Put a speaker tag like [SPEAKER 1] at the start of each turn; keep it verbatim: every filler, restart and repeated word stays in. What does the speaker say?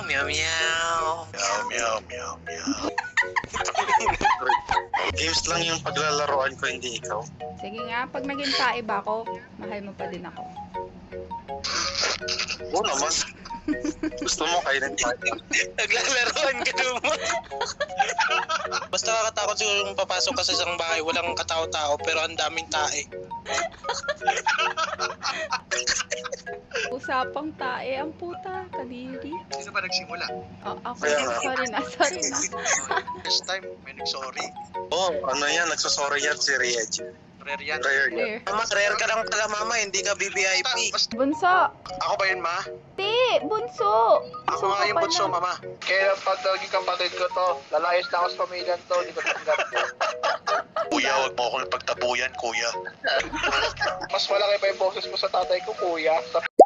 [SPEAKER 1] meow, meow.
[SPEAKER 2] Meow, meow, meow, meow. Games lang yung paglalaroan ko, hindi ikaw.
[SPEAKER 3] Sige nga, pag naging tae ba ako, mahal mo pa din ako.
[SPEAKER 2] Oo naman. Gusto mo kayo ng tayo.
[SPEAKER 1] Naglalaroan ka naman. Basta nakakatakot siguro yung papasok ka sa isang bahay, walang katao-tao, pero ang daming tae.
[SPEAKER 3] Usapang tae, ang puta, kadiri.
[SPEAKER 4] Sino ba nagsimula?
[SPEAKER 3] Oh, ako,
[SPEAKER 2] Kaya nga.
[SPEAKER 3] sorry na, sorry na.
[SPEAKER 4] First time, may nag-sorry.
[SPEAKER 2] Oo, oh, ano yan, nagsasorry yan si Riej.
[SPEAKER 4] Rare yan.
[SPEAKER 2] Rare yan.
[SPEAKER 3] Clear.
[SPEAKER 1] Mama, rare ka lang pala mama, hindi ka B V I P.
[SPEAKER 4] Basta,
[SPEAKER 3] Bunso!
[SPEAKER 4] ako ba yun, ma?
[SPEAKER 3] Ti! Bunso!
[SPEAKER 4] Ako nga yung bunso, mama. Kaya pag naging kapatid ko to, lalayas na ako sa pamilyan to, hindi ko tanggap.
[SPEAKER 2] Kuya, huwag mo akong pagtabuyan, kuya.
[SPEAKER 4] Mas malaki pa yung boses mo sa tatay ko, kuya. Sa